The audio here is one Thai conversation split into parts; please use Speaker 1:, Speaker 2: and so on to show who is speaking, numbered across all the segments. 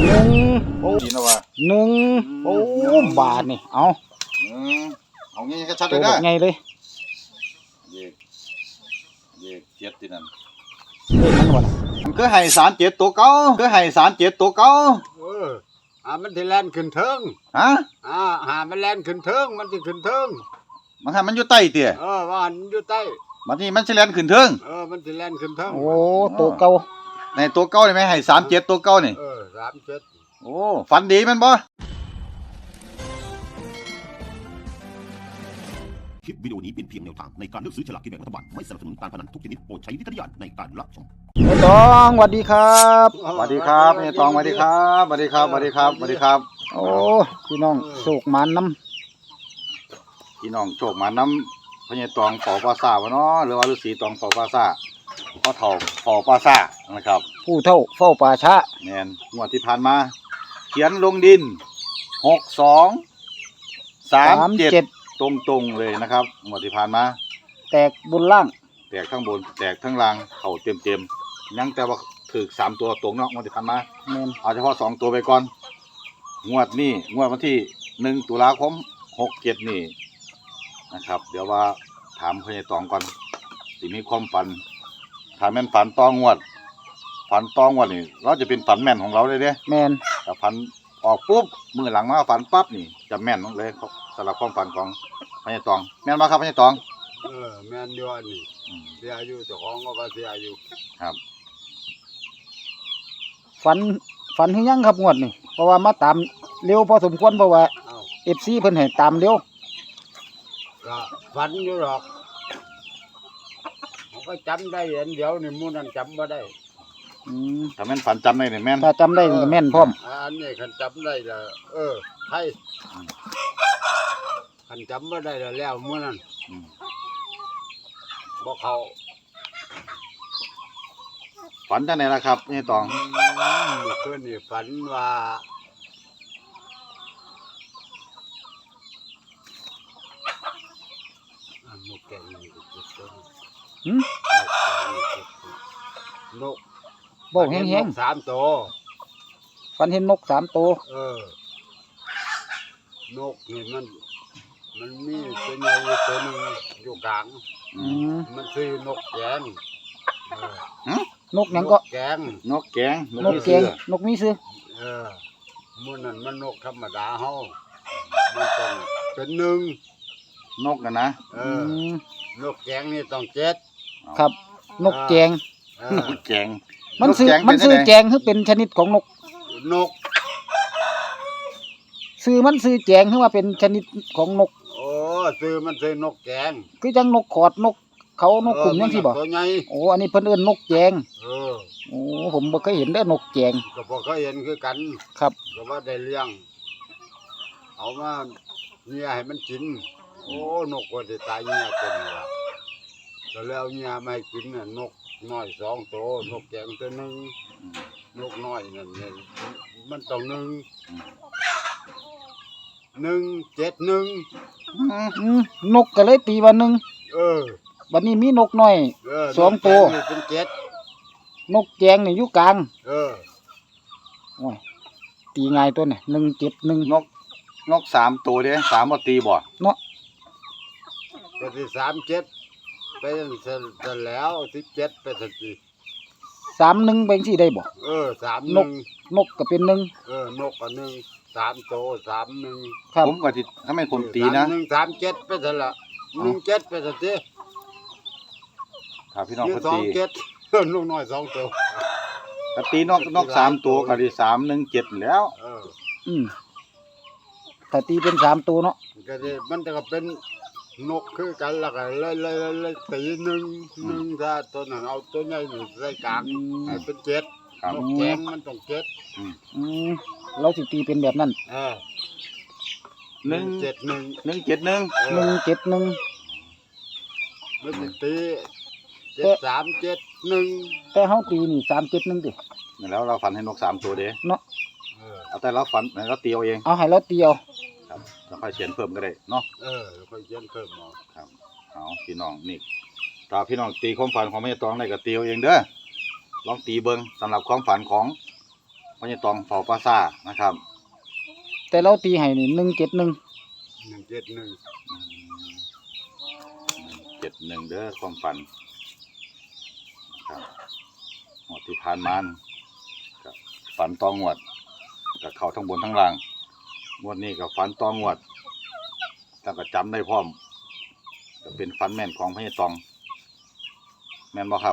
Speaker 1: หนึ่ง
Speaker 2: โอ้ดีนะวะ
Speaker 1: หนึ่งโอ้บาทนี่เอา
Speaker 2: เอางี้ก็ชัดเล
Speaker 1: ตัวย แบ
Speaker 2: นะ
Speaker 1: บไงเลย
Speaker 2: เย็กเจ็ดที่นั่น
Speaker 1: เลขมันวะน่ะ
Speaker 2: มันคือให้สารเจ็ดตัวเก่าคือให้สารเจ็ดตัวเก่า
Speaker 3: มันสิแล่นขึ้นเทิง
Speaker 2: ฮะ
Speaker 3: หามันแล่นขึ้นเทิงมันสิขึ้นเทิง
Speaker 2: มันให้มันอยู่ใต้เตี้ย
Speaker 3: ว่ามันอยู่ใต้
Speaker 2: บัดนี้มันสิแล่นขึ้นเทิง
Speaker 3: มันสิแล่นขึ้นเทิง
Speaker 1: โอ้ตัวเก่า
Speaker 2: ในตัวเก่านี่ไหมให้สามเจ็ดตัวเก่านี่
Speaker 3: 37
Speaker 2: โอ้ฝันดีแมันบ่
Speaker 4: คลิปวิดีโอนี้เป็นเพียงแนวทางในการเลือกซื้อฉลากกินแบ่งรัฐบาลไม่สนับสนุนการพนันทุกชนิดโปรดใช้วิจารณญาณในการรับชม
Speaker 1: ไอ้ตองสวัสดีครับ
Speaker 2: สวัสดีครับนี่ตองสวัสดีครับสวัสดีครับสวัสดีครับสวัสดีครับ
Speaker 1: โอ้พี่น้องโศกหมันน้
Speaker 2: พี่น้องโชคมาน้ำพญตองเป่าปลาซ่าวะเนาะหรือว่าฤาษีตองเป่าปลาซ่าเขาเฒ่าเป่าปลาซ่านะครับ
Speaker 1: ำผู้เท่าเฝ้าป่าช้า
Speaker 2: แมนงวดที่ผ่านมา เขียนลงดิน6237ตรงๆเลยนะครับงวดที่ผ่านมา
Speaker 1: แตกบนล่าง
Speaker 2: แตกทั้งบนแตกทั้งล่างเข่าเต็มๆยังแต่ว่าถึก3ตัวตรงเนาะงวดที่ผ่านมา
Speaker 1: แมน
Speaker 2: เอาเฉพาะ2ตัวไปก่อนงวดนี้งวดวันที่1ตุลาคม67นี่นะครับเดี๋ยวว่าถามพญตองก่อนสิมีความฝันถ้าแม่นฝันต้องงวดนี่เราจะเป็นฝันแม่นของเราเลยเด้
Speaker 1: แมน
Speaker 2: ถ้าฝันออกปุ๊บมือหลังมาฝันปั๊บนี่จะแม่นเลยสำหรับความฝันของพญตองแม่นบ่ครับพญตอง
Speaker 3: แม่นอยู่อันนี้เสียอายุเจ้าของก็เสียอายุ
Speaker 2: ครับ
Speaker 1: ฝันหรือยังครับงวดนี่เพราะว่ามาตามเร็วพอสมควรเพราะว่า FC เพิ่นให้ตามเร็ว
Speaker 3: ก็ฝันอยู่หรอกเขาก็จำได้อันเดียวนี่หมู่นั้นจำบ่ได้
Speaker 2: ถ้าแม่นฝันจำได้นี่แม่น
Speaker 1: ถ้าจำได้มันก็แม่นพร้อม
Speaker 3: อันนี้คันจำได้ละไทยคันจำบ่ได้แล้วหมู่นั้น
Speaker 2: อืม
Speaker 3: บ่เขา
Speaker 2: ฝันจังได๋ล่ะครับพญตอง
Speaker 3: เมื่อคืนนี่ฝันว่านกแก้วนี่ก็เจ็บตัว
Speaker 1: หืม
Speaker 3: นก
Speaker 1: บอกแห้ง
Speaker 3: ๆ3ตัว
Speaker 1: ๆฝันเห็นนก3ตัวน
Speaker 3: กนี่มันมีตัวใหญ่ตัวหนึงอยู่กลาง มันคือนกแกง
Speaker 1: นกหยังก็
Speaker 3: แกง
Speaker 2: นกแกง
Speaker 1: นกแกงนกมีซื้อ
Speaker 3: มื้อนั้นมันนกธรรมดาเฮามันต้องเป็นหนึ่ง
Speaker 2: นกน่ะนะ
Speaker 3: นกแกงนี่ต้องเจ็ด
Speaker 1: ครับ นกแกง
Speaker 2: นกแกง
Speaker 1: มันซื้อ
Speaker 2: แกง
Speaker 1: มันซื้อ
Speaker 2: เป็นจังใด
Speaker 1: แกงคือเป็นชนิดของนก
Speaker 3: นก
Speaker 1: ซื้อมันซื้อแกงคือว่าเป็นชนิดของนก
Speaker 3: มันซื้อนกแกง
Speaker 1: คือจังนกขอดนกเขานกขุ่มจังซี่บ่
Speaker 3: ตัวใหญ่
Speaker 1: โอ้อันนี้เพิ่นเอิ้นนกแกง
Speaker 3: เออ
Speaker 1: โอ้ผมบ่เคยเห็นเด้อนกแกง
Speaker 3: ก็บ่เคยเห็นคือกัน
Speaker 1: ครับ
Speaker 3: ก็ว่าได้เลี้ยง เอามาเนี่ยให้มันกิน นกก็ได้ตายเนี่ยเป็นว่าก็แล้วเนี่ยมาให้กินน่ะนกน้อย2ตัวนกแกงตัวหนึงนกน้อยนั่นเนี่ยมันต้อง1 171
Speaker 1: นกก็เลยตีว่าหนึ่ง บัดนี้มีนกน้อย สองตัว
Speaker 3: นกแกงนี่เป็น7
Speaker 1: นกแกงนี่อยู่กลาง โอ้ยตีง่ายตัวนี่171
Speaker 2: นก3ตัวเด้3บ่ตีบ่
Speaker 3: ก็สิ37ไปเสร็จแล้ว17ไปสักที
Speaker 1: 31เป็นสิได้บ่
Speaker 3: 31
Speaker 1: นกก็เป็น1
Speaker 3: นกอันหนึง3ตัว31
Speaker 1: ครับ
Speaker 2: ผมก็สิถ้าแม่นผมตีนะ
Speaker 3: 31 37ไปเสร็จละ17ไปสักที
Speaker 2: ถ้าพี่น้อง
Speaker 3: ยี่
Speaker 2: เขาตี
Speaker 3: 27 นกน้อย2ตัว
Speaker 2: ก็ตีนก3ตัวก็ได้317แล้ว
Speaker 1: อืมถ้าตีเป็น3ตัวเนาะ
Speaker 3: ก็สิมันก็เป็นนกคือกันแล้วก็เลยตีหนึ่งถ้าตัวนั้นเอาตัวใหญ่นี่ใส่กลางให้เป็น7
Speaker 2: ครับ
Speaker 3: นกแกงมันต้อง7
Speaker 1: อืมเราสิตีเป็นแบบนั้น
Speaker 2: หนึ่ง
Speaker 3: 171
Speaker 2: 171
Speaker 1: 171
Speaker 3: มันสิตี7371
Speaker 1: แต่เฮาตีนี่371ติ
Speaker 2: แล้วเราฝันให้นก3ตัวเด้
Speaker 1: เนาะ
Speaker 2: เอาแต่เราฝันให้เราตีเอาเอง
Speaker 1: เอาให้เราตีเอา
Speaker 2: ครับแล้วค่อยเขียนเพิ่มก็ได้เนาะ
Speaker 3: ค่อยเขียนเพิ่มเอา
Speaker 2: ครับเอาพี่น้องนี่ถ้าพี่น้องตีความฝันของแม่ตองได้ก็ตีเอาเองเด้อลองตีเบิ่งสำหรับความฝันของพญาตองเฝ้าปราสาทนะครับ
Speaker 1: แต่เราตีให้นี่171
Speaker 3: 171
Speaker 2: 71เด้อความฝันครับงวดที่ผ่านมาก็ฝันตองวดก็เข้าทั้งบนทั้งล่างงวดนี้ก็ฝันตองวดแต่ก็จำได้พร้อมก็เป็นฝันแม่นของพญาตองแม่นบ่ครับ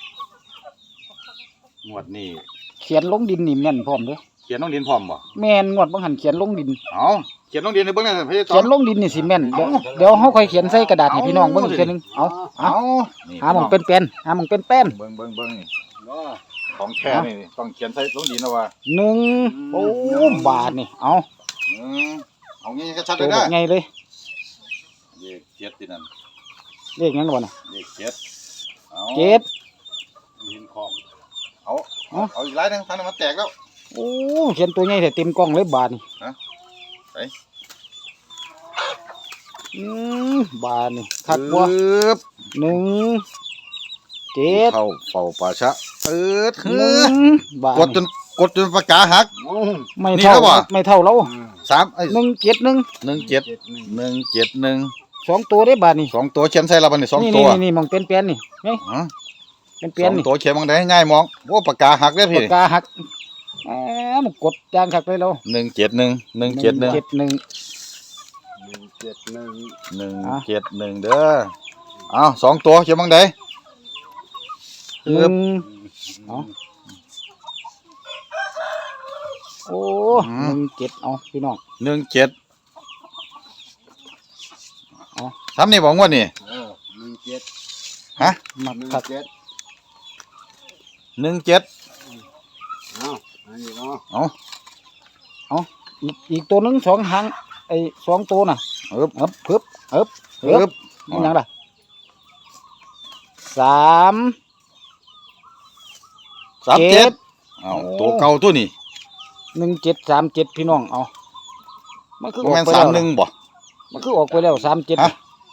Speaker 2: งวดนี้
Speaker 1: เขียนลงดินนี่แม่นพร้อมเด้อ
Speaker 2: เขียนน้องดินพร้อมบ่
Speaker 1: แม่นงวดบางหันเขียนลงดิน
Speaker 2: เอาเขียนน้องดินในเบิ่งหน่อยพญาตอ
Speaker 1: เขีย
Speaker 2: ง
Speaker 1: นลงดินนี่สิแม่นเดี๋ยวเฮาค่อยเขียนใส่กระดาษให้พี่น้องเบิ่งอีกเทื่อนึงเอาเอา
Speaker 2: นี่
Speaker 1: หาหม่องเป็นแป้นหาหม่องเป็นแป้น
Speaker 2: เบิ่งนี่
Speaker 3: เนาะ
Speaker 2: ของแท้นี่ต้องเขียนใส่ลงดินนะว่า
Speaker 1: 1โอ้บาทนี่เอา
Speaker 2: เอางี้ก็ชัดเล
Speaker 1: ตัวย แบ
Speaker 2: นะ
Speaker 1: บไงเลย
Speaker 2: เลขเจ็ดที่นั่น
Speaker 1: เลขหยังบ่น่ะ
Speaker 2: เลขเจ็ดเอา
Speaker 1: เจ็ด
Speaker 3: หินของ
Speaker 2: เอาอีกหลายหนึงทางนั้นมันแตกแล้ว
Speaker 1: โอ้เขียนตัวใหญ่แต่เต็มกล้องเลยบาทนี่
Speaker 2: ฮะไป
Speaker 1: บาทนี่คักบ่
Speaker 2: ปึ๊บ
Speaker 1: 1 7
Speaker 2: เข้าเฝ้าป่าชะ
Speaker 1: บาท
Speaker 2: กดจนปากกาหัก
Speaker 1: ไม่
Speaker 2: นี่
Speaker 1: เท่า
Speaker 2: แล้วบ่
Speaker 1: ไม่เท่าเรา
Speaker 2: 3
Speaker 1: 171
Speaker 2: 171
Speaker 1: 2ตัวได้บาทนี่
Speaker 2: 2ตัวเขียนใส่ละบัดนี้2
Speaker 1: นี่
Speaker 2: ตัว
Speaker 1: นี่หม่องเป็นแป้นนี่ไง
Speaker 2: ฮะ
Speaker 1: เป็นแป้นนี่
Speaker 2: 2ตัวเขียนบังได้ง่ายมองโอ้ปากกาหักเด้อ
Speaker 1: ปา
Speaker 2: พี่
Speaker 1: กกาหักมันกดจางคักเลยเรา
Speaker 2: 171 เด้อเอา2ตัวเขียนบังได้
Speaker 1: หนึ่งเอาโอ้17เอาพี่น้อง
Speaker 2: 17ทำนี่บอกงวดนี่
Speaker 3: 17
Speaker 2: ฮะ
Speaker 1: มักคัก
Speaker 3: 17
Speaker 2: 17
Speaker 3: เอาอันนี้เนาะ
Speaker 2: เอา
Speaker 1: อีกตัวหนึง2หางไอ้2ตัวน่ะ
Speaker 2: ปึ๊บ
Speaker 1: ปึ๊บ
Speaker 2: ปึ๊บ
Speaker 1: มันหยังล่ะ3
Speaker 2: 37เอาตัวเก่าตัวนี้
Speaker 1: 1737พี่น้องเอามันคือ
Speaker 2: บ่
Speaker 1: ออก
Speaker 2: แม่น
Speaker 1: ไปแล้ว
Speaker 2: 31บ่
Speaker 1: มันคือออกไปแล้ว37
Speaker 2: ฮะ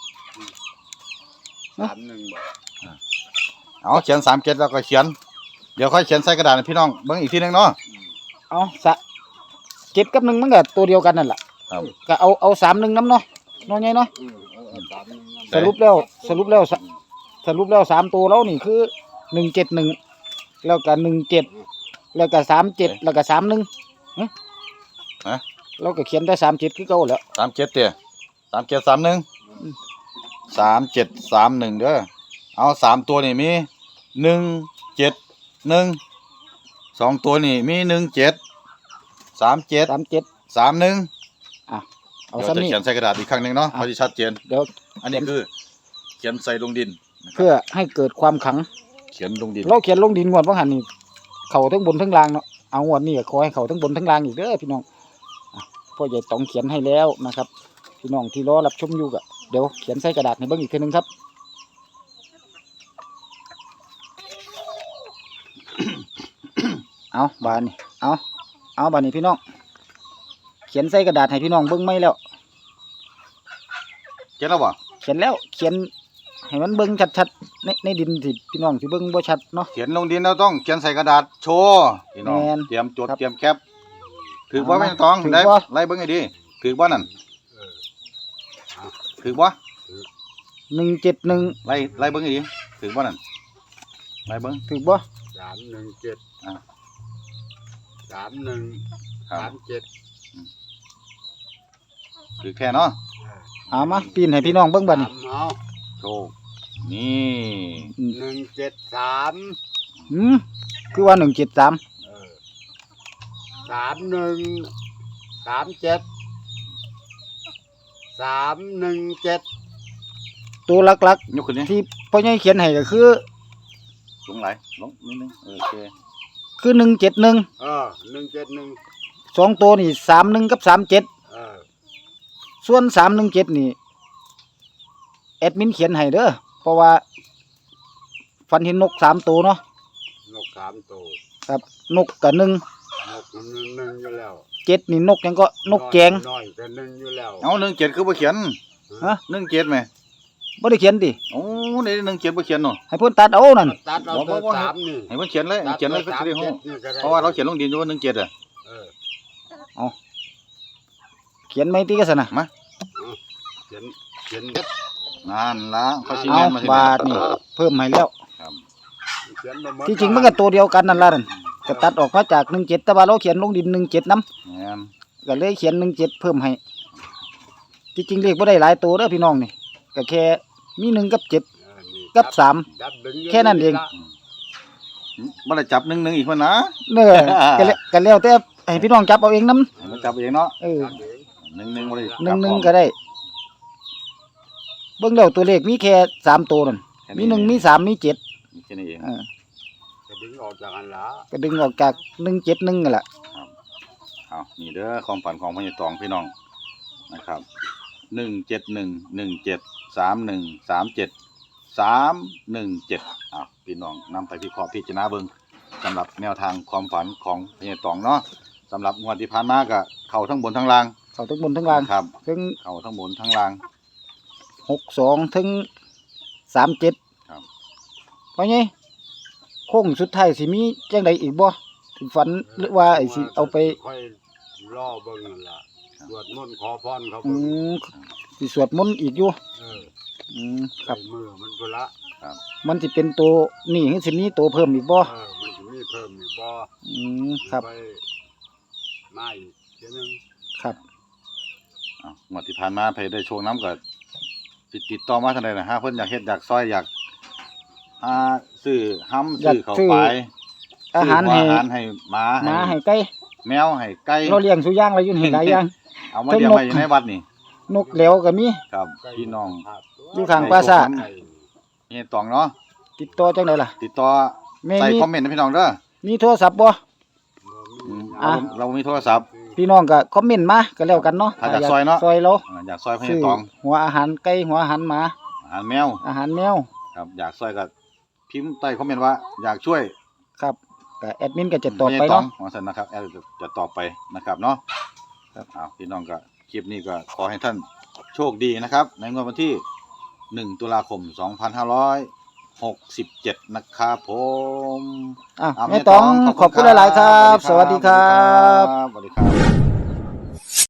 Speaker 3: 31บ่
Speaker 2: เอาเขียน37แล้วก็เขียนเดี๋ยวค่อยเขียนใส่กระดาษให้พี่น้องเบิ่งอีกทีนึงเนาะ
Speaker 1: เอา7กับ1มันก็ตัวเดียวกันนั่นล่ะ
Speaker 2: ครับ
Speaker 1: ก็เอา31นำเนาะน้อยใหญ่เนาะ
Speaker 3: 31
Speaker 1: สรุปแล้ว3ตัวแล้วนี่คือ171แล้วก็17แล้วก็37แล้วก็31
Speaker 2: ฮะ
Speaker 1: เราก็เขียนได้37คือเก่าแล้ว
Speaker 2: 37เด้อ3731 3731เด้อเอา3ตัวนี่มี171 2ตัวนี่มี17 37
Speaker 1: 37
Speaker 2: 31
Speaker 1: เอา
Speaker 2: เดี๋ยว
Speaker 1: ซ้ำ
Speaker 2: จะ
Speaker 1: นี่
Speaker 2: เขียนใส่กระดาษอีกครั้งหนึงเนาะพอสิชัดเจน
Speaker 1: เดี๋ยว
Speaker 2: อันนี้คือเขียนใส่ลงดิน
Speaker 1: เพื่อให้เกิดความขลัง
Speaker 2: เขียนลงดิน
Speaker 1: เราเขียนลงดินงวดว่าหันนี่เข้าทั้งบนทั้งล่างเนาะเอางวดนี้ก็ขอให้เข้าทั้งบนทั้งล่างอีกเด้อพี่น้องพ่อใหญ่ต้องเขียนให้แล้วนะครับพี่น้องที่รอรับชมอยู่ก็เดี๋ยวเขียนใส่กระดาษให้เบิ่งอีกทีนึงครับ เอาบานนี่เอาบานนี่พี่น้องเขียนใส่กระดาษให้พี่น้องเบิ่งไม่แล้ว
Speaker 2: เขียนแล้วบ่
Speaker 1: เขียนแล้วเขียนให้มันเบิ่งชัดๆในดินสิพี่น้องสิเบิ่งบ่ชัดเนาะ
Speaker 2: เขียนลงดินเราต้องเขียนใส่กระดาษโชว์พี่น้อง
Speaker 1: แม่น
Speaker 2: เตรียมจด
Speaker 1: ครับ
Speaker 2: เตรียมแคปถือว่าไม่ต้อง
Speaker 1: ถือ
Speaker 2: ได้
Speaker 1: บ่
Speaker 2: ไล่เบิ้งให้ดีถือว่านั่นถือว่า
Speaker 1: 171
Speaker 2: ไล่เบิ้งให้ดีถือว่านั่นไล่เบิ้ง
Speaker 1: ถูกบ่
Speaker 3: 317
Speaker 2: อ่ะ
Speaker 3: 31
Speaker 2: ครับ
Speaker 3: 37
Speaker 2: ถือแค่เนาะ
Speaker 1: เอามาปีนให้พี่น้องเบิ่งบัดนี้
Speaker 3: เอา
Speaker 2: โชว์นี่
Speaker 3: 173
Speaker 1: คือว่า173
Speaker 3: 31 37 317
Speaker 1: ตัวหลัก
Speaker 2: ยกขึ้นนี่
Speaker 1: ๆที่พ่อใหญ่เขียนให้ก็คือ
Speaker 2: ลงไหลลงนิดนึงโอเค
Speaker 1: คือ171
Speaker 3: 171
Speaker 1: 2ตัวนี่31กับ37ส่วน317นี่แอดมินเขียนให้เด้อเพราะว่าฟันเห็นนก3ตัวเนาะ
Speaker 3: นก3ตัว
Speaker 1: ครับนกกับ1
Speaker 3: นกมันหนึ่งอยู่แล้ว
Speaker 1: 7นี่นกหยังก็นกแจง
Speaker 3: น้อยก็หนึ่งอยู่แล้ว
Speaker 2: เอา17คือบ่เขียน
Speaker 1: ฮะ
Speaker 2: 17ไหม
Speaker 1: บ่ได้เขียนติ
Speaker 2: โอ้ในหนึ่งเจ็ดบ่เขียนเนาะ
Speaker 1: ให้เพิ่นตัดเอานั่น
Speaker 3: ตัดเอาตัวสามนี่
Speaker 2: ให้มันเขียนเลยเขียนเลยก็
Speaker 3: ตัด
Speaker 2: จะได้
Speaker 3: ตัว
Speaker 2: ฮู้
Speaker 3: 3 7นี่ก็ได้
Speaker 2: เพราะว่าเราเขียนลงดินอยู่ว่าหนึ่งเจ็ดอ่ะ
Speaker 3: เออ
Speaker 1: เขียนไม่ติก็ซั่นน่ะ
Speaker 3: เขียนเขียน
Speaker 2: นั่นละเขาสิ
Speaker 1: เอา
Speaker 2: แม่นมาสิ
Speaker 1: บาทนี่เพิ่มให้แล้ว
Speaker 2: ครับ
Speaker 3: เขียนบ่หมด
Speaker 1: ที่จริงมันก็ตัวเดียวกันนั่นล่ะนั่นก็ตัดออกมาจาก17แต่ว่าเราเขียนลงดิน17นำ
Speaker 2: แม่น
Speaker 1: ก็เลยเขียน17เพิ่มให้ที่จริงเลขบ่ได้หลายตัวเด้อพี่น้องนี่ก็แค่มี1กับ7
Speaker 3: เออนี่
Speaker 1: กับ3
Speaker 3: จับดึงยู่
Speaker 1: แค่นั้นเอง
Speaker 2: บ่ได้จับหนึ่งอีกคนนะ
Speaker 1: เด้อก็แล้วแต่ให้พี่น้องจับเอาเองนำ
Speaker 2: ให้มันจับเองเนาะ
Speaker 1: เออ
Speaker 3: จับเอง
Speaker 2: หนึ่งบ่ได้จับ
Speaker 1: 1 1ก็ได้เบิ่งแล้วตัวเลขมีแค่3ตัวนั่นมี1มี3มี7
Speaker 2: แค่นี้เอง
Speaker 3: ก็ดึงออกจากอันละ
Speaker 1: ก็ดึงออกจาก171นั่นแหละ
Speaker 2: เอานี่เด้อความฝันของพญาตองพี่น้องนะครับ1711731373171พี่น้องนำไปพิเคราะห์พิจารณาเบิ่งสำหรับแนวทางความฝันของพญาตองเนาะสำหรับงวดที่ผ่านมาก็เข้าทั้งบนทั้งล่าง
Speaker 1: เข้าทั้งบนทั้งล่าง
Speaker 2: ครับ
Speaker 1: ถึง
Speaker 2: เข้าทั้งบนทั้งล่าง
Speaker 1: 62ถึง37
Speaker 2: ครับ
Speaker 1: เพราะไงโค้งสุดท้ายสิมีจังใดอีกบ่ถึงฝันหรือว่าไอ้สิเอาไป
Speaker 3: ค่อยล่อเบิ่งนั่นล่ะสวดมนต์ขอพรเขา
Speaker 1: อื
Speaker 3: เบิ่ง
Speaker 1: มสิสวดมนต์อีกอยู่
Speaker 3: เออ
Speaker 1: ครับ
Speaker 3: ใส่มือมันพุ่นละ
Speaker 1: มันสิเป็นตัวนี่หรือสิมีตัวเพิ่มอีกบ่
Speaker 3: มันสิมีเพิ่มอีกบ่
Speaker 1: ครับ
Speaker 3: ไปมาอีกเทียหนึง
Speaker 1: ครับ
Speaker 2: งวดที่ผ่านมาไปได้โชว์น้ำก็ติดต่อมาทางใดนะฮะเพิ่นอยากเฮ็ดอยากซอยอยากซื้อห้ำซื้อเข้าวไป
Speaker 1: อาหาร
Speaker 2: ซื้
Speaker 1: ให้
Speaker 2: อาหารให้หมา
Speaker 1: หมาให้ไก่
Speaker 2: แมวให้ไก่
Speaker 1: เราเลี้ยงสุอย่างอะไรอยู่นี่หลายอย่าง
Speaker 2: เอามาเลี้ยงไว้อยู่ในวัดนี่
Speaker 1: นกแหลวก็มี
Speaker 2: ครับพี่น้อง
Speaker 1: อยู่ข้างปราสาท
Speaker 3: ไก่
Speaker 2: นี่ตองเนาะ
Speaker 1: ติดต่อจังไดล่ะ
Speaker 2: ติดต่อ
Speaker 1: แม่
Speaker 2: ใส่
Speaker 1: มี
Speaker 2: คอมเมนต์นะพี่น้องเด้อ
Speaker 1: มีโทรศัพท์บ่ อ่ะ
Speaker 2: เรามีโทรศัพท์
Speaker 1: พี่น้องก็คอมเมนต์มาก็แล้วกันเนาะ
Speaker 2: ถ้าอยากซอยเนาะ
Speaker 1: ซอยเรา
Speaker 2: อยากซอยพญา
Speaker 1: ซื้อ
Speaker 2: ตอง
Speaker 1: หัวอาหารไก่หัวอาหารหมา
Speaker 2: อาหารแมว
Speaker 1: อาหารแมว
Speaker 2: ครับอยากซอยก็พิมพ์ใต้คอมเมนต์ว่าอยากช่วย
Speaker 1: ครับก็แอดมินก็จะตอบไป
Speaker 2: พญตอง
Speaker 1: เนาะ
Speaker 2: ว่าซั่นนะครับแอดจะตอบไปนะครับเนาะครับพี่น้องก็คลิปนี้ก็ขอให้ท่านโชคดีนะครับ ในงวดวันที่1ตุลาคม2567นะครับผม
Speaker 1: แม่ตองขอบคุณหลายๆครับ สวัสดีครับ
Speaker 2: สวัสดีครับ